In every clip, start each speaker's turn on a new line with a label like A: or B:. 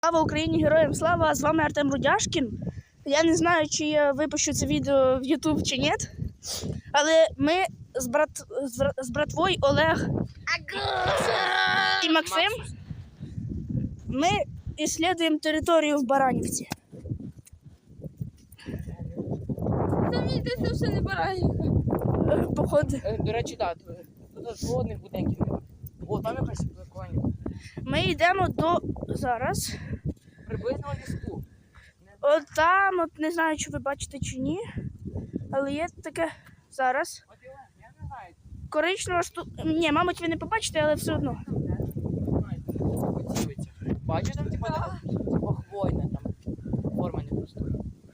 A: Слава Україні, героям слава! З вами Артем Рудяшкін. Я не знаю, чи я випущу це відео в YouTube чи ні, але ми з братвою Олег і Максим, ми іслідуємо територію в Баранівці.
B: Там йдеться все не Баранівка.
A: Походу.
C: До речі, так, тут жодних будинків немає. О, там якась прикольна.
A: Ми йдемо до зараз.
C: Приблизно ліску.
A: От там, от не знаю, чи ви бачите чи ні, але є таке зараз.
C: От я не знаю.
A: Коричнева Ні, мабуть, ви не побачите, але все одно.
C: Бачиш, там типа хвойна там форма не просто.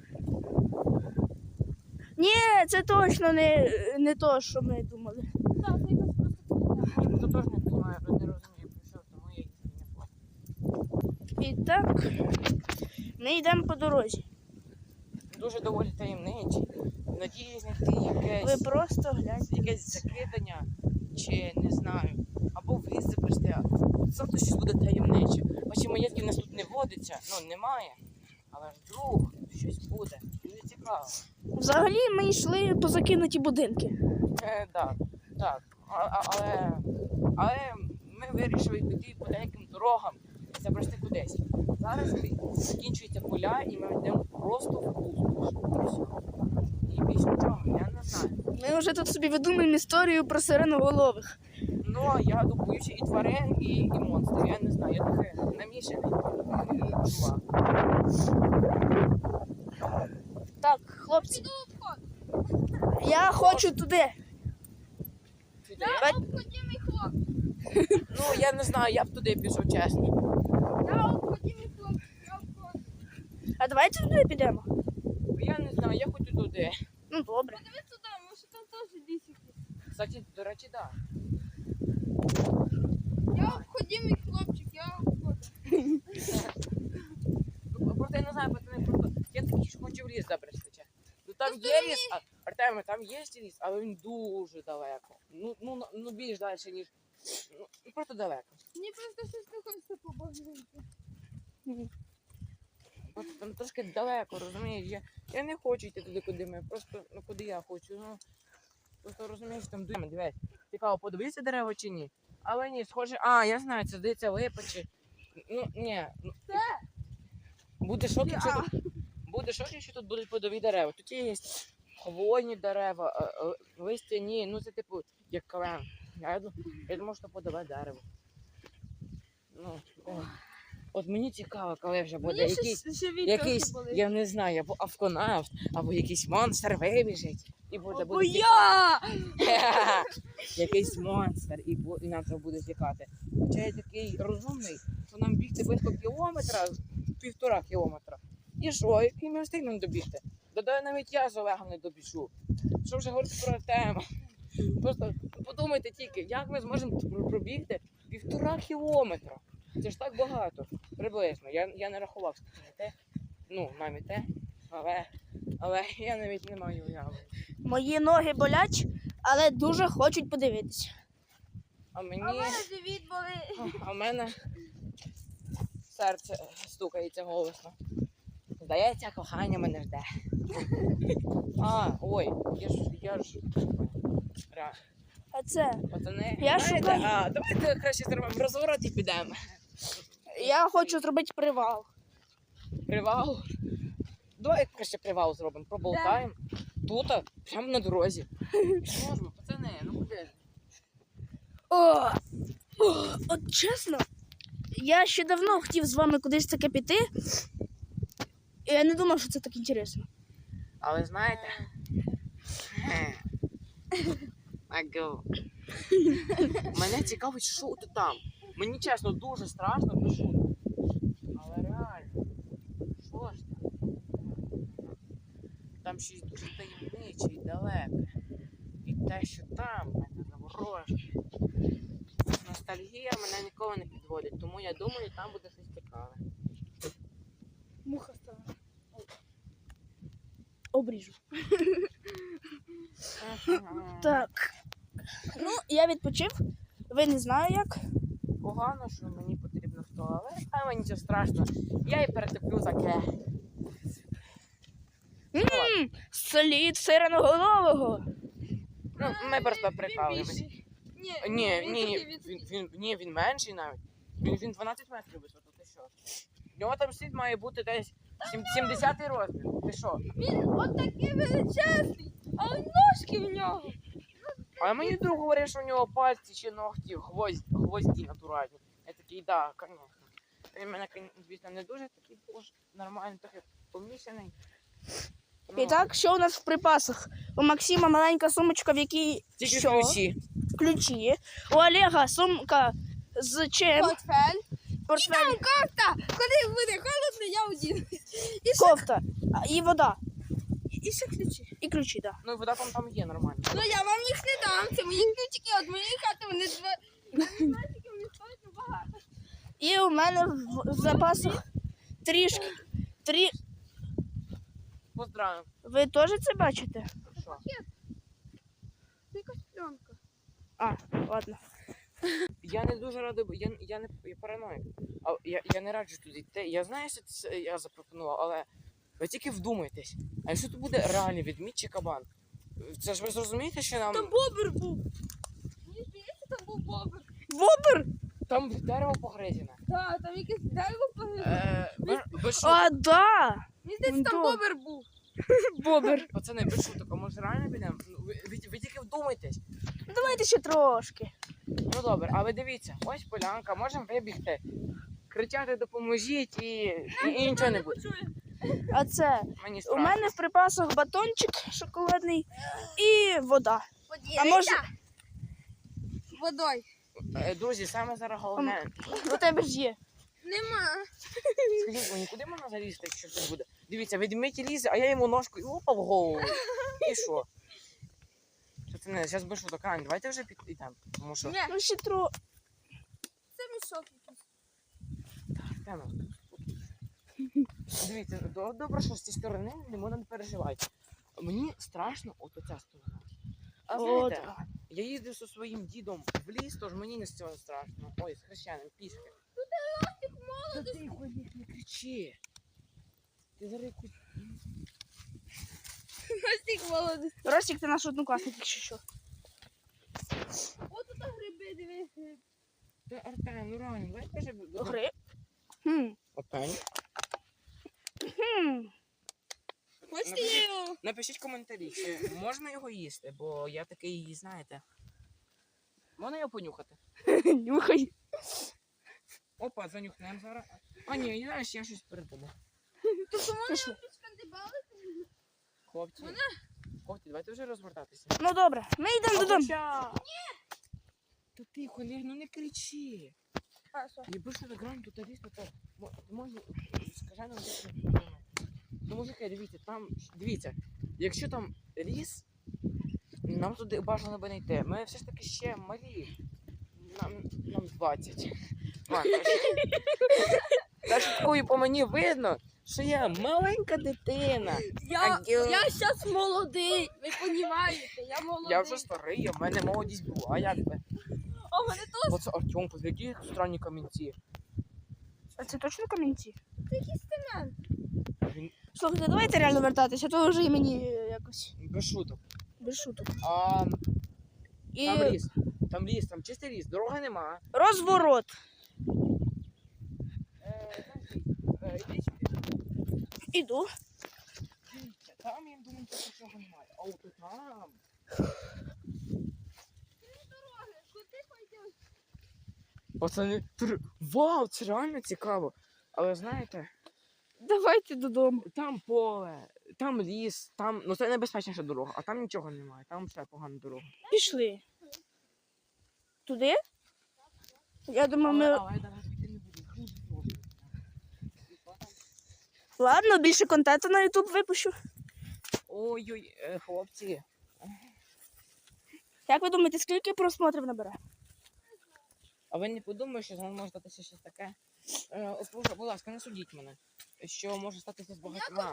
A: Ні, це точно не то, що ми думали.
B: Так, це якось просто
C: Я просто теж не розумію, про що, тому я їх не плачу.
A: І так, ми йдемо по дорозі.
C: Дуже доволі таємничі. Надіюсь, знайти
A: Ви
C: якесь,
A: просто гляньте.
C: якесь закидання, чи не знаю, або віз запрести. Завтра щось буде таємниче. Бачимо, маєтків у нас тут не водиться, ну немає. Але ж вдруг щось буде. Дуже цікаво.
A: Взагалі ми йшли по закинуті будинки.
C: Так. Але ми вирішили піти по деяким дорогам і забрести кудись. Зараз закінчуються поля і ми йдемо просто в пустоші. І більше нічого, я не знаю.
A: Ми вже тут собі видумуємо історію про сиреноголових.
C: Ну, я боюся і тварин, і монстрів. Я не знаю, я таке намішаний чувак.
A: Так, хлопці, я хочу туди.
B: Я обходимий хлопчик.
C: Ну, я не знаю, я б туди пішов, чесно.
B: Я обходимий хлопчик. Я обходимий.
A: А давайте туди підемо.
C: Я не знаю, я хочу туди.
A: Ну, добре.
B: Подивись туди, може там теж ліс якийсь.
C: Кстати, до речі, так.
B: Я обходимий хлопчик, я обходимий.
C: Просто я не знаю, пацани, просто я такий, що хочу в ліс забрести. Ну там є ліс, Артеме, там є ліс, але він дуже далеко. Ну більш далі, ніж. Ну просто далеко.
B: Мені просто щось не хочеться побачити.
C: Просто там трошки далеко, розумієш? Я не хочу йти туди, куди ми. Просто, ну куди я хочу. Ну просто розумієш, там дуємо, дивись. Цікаво, подивися дерева чи ні. Але ні, схоже, я знаю, це здається липа чи. Ну, ні.
B: Це?
C: Буде шок, якщо тут. Буде шок, якщо тут будуть плодові дерева. Тут є хвойні дерева, листяні, ну це типу як клен. Я думаю, що плодове дерево. Ну, от мені цікаво, коли вже буде якийсь, я не знаю, або автонавт, або якийсь монстр вибіжить. І буде
A: я!
C: Якийсь монстр, і нам треба буде тікати. Хоча я такий розумний, що нам бігти близько кілометра, 1,5 кілометра. І що, який ми встигнемо добігти? Додай навіть я з Олегом не добіжу. Що вже говорити про тему? Просто подумайте тільки, як ми зможемо пробігти 1,5 кілометра. Це ж так багато, приблизно. Я не рахував, те, ну, навіть те, але я навіть не маю уяви.
A: Мої ноги болять, але дуже хочуть подивитися.
C: А
B: А в мене живіт болить.
C: в мене серце стукається голосно. Здається, кохання мене жде. Ой, я ж. Реально.
A: А це,
C: Пацани,
A: Я шукаю.
C: давайте краще зробимо розворот і підемо.
A: я хочу зробити привал.
C: Привал? Давай краще привал зробимо, проболтаємо. Тут, прямо на дорозі. Можемо, пацани, ну куди ж?
A: От чесно, я ще давно хотів з вами кудись таке піти. І я не думав, що це так інтересно.
C: Але знаєте. Мене цікавить, що тут там. Мені чесно дуже страшно, без шуток. Але реально, що ж там? Там щось дуже таємниче і далеке. І те, що там, мене заворожує. Ностальгія мене ніколи не підводить, тому я думаю, там буде щось цікаве.
A: Муха стала. Обріжу. Так. Ну, я відпочив. Ви не знаю як.
C: Погано, що мені потрібно в туалет. голови, але нічого страшного. Я і перетерплю таке.
A: Слід сиреноголового.
C: Ну, ми просто прикалуємось.
B: Ні,
C: Він менший навіть. Він 12 метрів висоту, ти що? У нього там слід має бути десь 70-й розмір. Ти що?
B: Він отакий величезний, а ножки в нього.
C: А мені друг говорить, що у нього пальці чи ногті, гвозді натуральні. Я такий, да, звісно. Він мене, звісно, не дуже такий уж нормальний, трохи помішаний.
A: І так, що у нас в припасах? У Максима маленька сумочка, в якій
C: Тільки
A: що?
C: ключі.
A: Ключі. У Олега сумка з чим?
B: Портфель.
A: Портфель,
B: Кофта. Коли буде холодно, я одінусь.
A: кофта і вода.
B: І ще ключі.
A: І ключі, так.
C: Ну і вода там є нормально.
B: Ну я вам їх не дам. Це мої ключики від моєї хати. Вони два. Я не знаю, скільки вони стоять, але багато.
A: І у мене в запасах трішки.
C: Поздравим.
A: Ви теж це бачите?
C: Що?
B: Це якась пленка.
A: А, ладно.
C: Я не дуже радий, я параноїк. А я не раджу туди йти. Я знаю, що це я запропонував, але ви тільки вдумайтесь. А якщо тут буде реальний ведмідь чи кабан? Це ж ви зрозумієте, що нам...
B: Там бобер був. Мені здається, там був бобер.
A: Бобер?
C: Там дерево погризене.
B: Так, там якесь дерево погибло.
C: Без шуток.
A: А, да!
B: Мені здається, там
A: Да.
B: бобер був.
A: Бобер.
C: Пацани, без шуток, а може реально підемо? Ну, ви тільки вдумайтесь.
A: Давайте ще трошки.
C: Ну добре, а ви дивіться, ось полянка, можемо вибігти, кричати допоможіть і нічого не буде.
A: А це
C: Мені
A: у
C: страшно.
A: мене в припасах батончик шоколадний і вода. А може
B: Водой.
C: Друзі, саме зараз головне.
A: у тебе ж є.
B: Нема.
C: Скажіть мені, куди можна залізти, якщо це буде? Дивіться, ведмідь лізе, а я йому ножку і опа в голову. І що? Що це не? Зараз без шуток, Ань, давайте вже підійдемо. Тому що...
B: Ні,
A: Ну ще тро.
B: це мішок якийсь.
C: Тема. Дивіться, добре, що з цієї сторони не можна не переживати. Мені страшно от оця сторона. А
A: От.
C: знаєте, я їздив зі своїм дідом в ліс, тож мені не з цього страшно. Ой, з хрещеним, пішки. Та ти ходіть, не кричи. Ти зараз якусь...
B: Ростик молодий.
A: Ростик, ти наш однокласник, якщо що.
B: От тут гриби, дивись.
C: Та Артем, ну реально, давай кажи...
A: Гри. Хм.
C: Артем.
A: Хм.
B: Хочете я його?
C: Напишіть коментарі, чи можна його їсти, бо я такий, знаєте... Можна його понюхати?
A: Нюхай.
C: Опа, занюхнемо зараз. А ні, знаєш, я щось передумав.
B: Тобто можна
A: Пішли.
B: його підшкандибали?
C: Хлопці, хлопці, давайте вже розвертатися.
A: Ну добре, ми йдемо додому.
C: Ні! Та тихо, ну не кричи.
B: А, що?
C: Якби що грань тут лісно, то може, скажи нам, де. Ну, мужики, дивіться, якщо там ліс, нам туди бажано би не йти. Ми все ж таки ще малі. Нам 20. Та шуткою по мені видно, що я маленька дитина.
B: Я зараз молодий, ви розумієте, я молодий.
C: Я вже старий, в мене молодість була, як би.
B: А в мене теж
C: Оце Артем, які странні камінці.
A: А це точно камінці?
B: якийсь цемент.
C: Він
A: Слухайте, давайте реально вертатися, а то вже і мені якось
C: без шуток.
A: без шуток.
C: А
A: І
C: там ліс, там чистий ліс, дороги нема.
A: розворот.
C: Ідіть сюди.
A: Іду.
C: Дивіться, там, я думаю, що нічого немає. А от там.
B: Куди пойдеш?
C: Пацани, вау, це реально цікаво. Але знаєте,
A: Давайте додому.
C: там поле, там ліс, там, ну це небезпечніша дорога, а там нічого немає, там ще погана дорога.
A: Пішли. Туди? Я думаю, ми.
C: Але я навіть йти не буду. Дуже добре.
A: Ладно, більше контенту на YouTube випущу.
C: Ой-ой, хлопці.
A: Як ви думаєте, скільки просмотрів набере?
C: А ви не подумаєте, що з вами може статися щось таке? Будь ласка, не судіть мене. Що може статися з багатьма.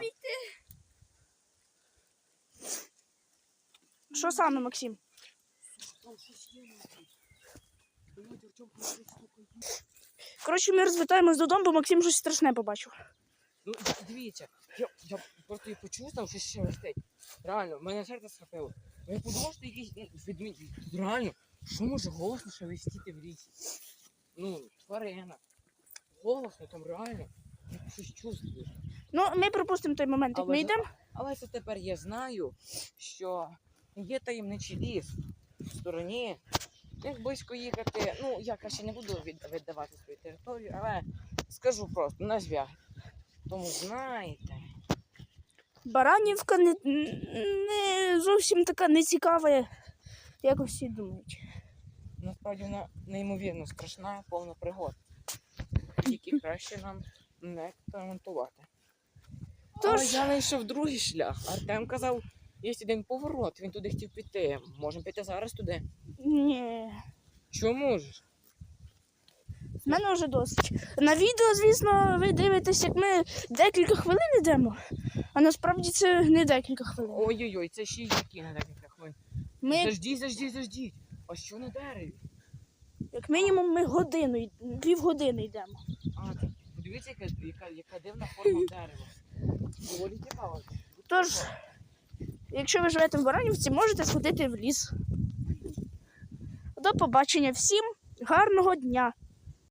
A: Що саме, Максим?
C: Там щось є, Артем,
A: Коротше, ми розвертаємось додому, бо Максим щось страшне побачив.
C: Ну, дивіться, я просто і почув, там щось шелестить. Реально, в мене серце схопило. Я подумав, що якийсь відмінь. Реально, що може голосно шелестіти в лісі? Ну, тварина. Голосно там реально. Я щось чувствую.
A: Ну, ми пропустимо той момент, як
C: Але
A: ми
C: ж-
A: йдемо.
C: Але це тепер я знаю, що є таємничий ліс в стороні. Як близько їхати, ну я краще не буду віддавати свою територію, але скажу просто на зв'яг. Тому знаєте,
A: Баранівка не зовсім така нецікава, як усі думають.
C: насправді вона неймовірно страшна, повна пригод, які краще нам не експериментувати. Але
A: Тож-
C: я знайшов другий шлях. Артем казав, є один поворот, він туди хотів піти. Можемо піти зараз туди.
A: Ні.
C: Чому ж?
A: В мене вже досить. На відео, звісно, ви дивитесь, як ми декілька хвилин йдемо, а насправді це не декілька хвилин.
C: Ой-ой-ой, це ще які на декілька хвилин.
A: Ми,
C: Заждіть. А що на дереві?
A: як мінімум, ми півгодини йдемо.
C: А, це, подивіться, яка дивна форма дерева. Доволі цікаво.
A: Тож, якщо ви живете в Баранівці, можете сходити в ліс. До побачення всім, гарного дня!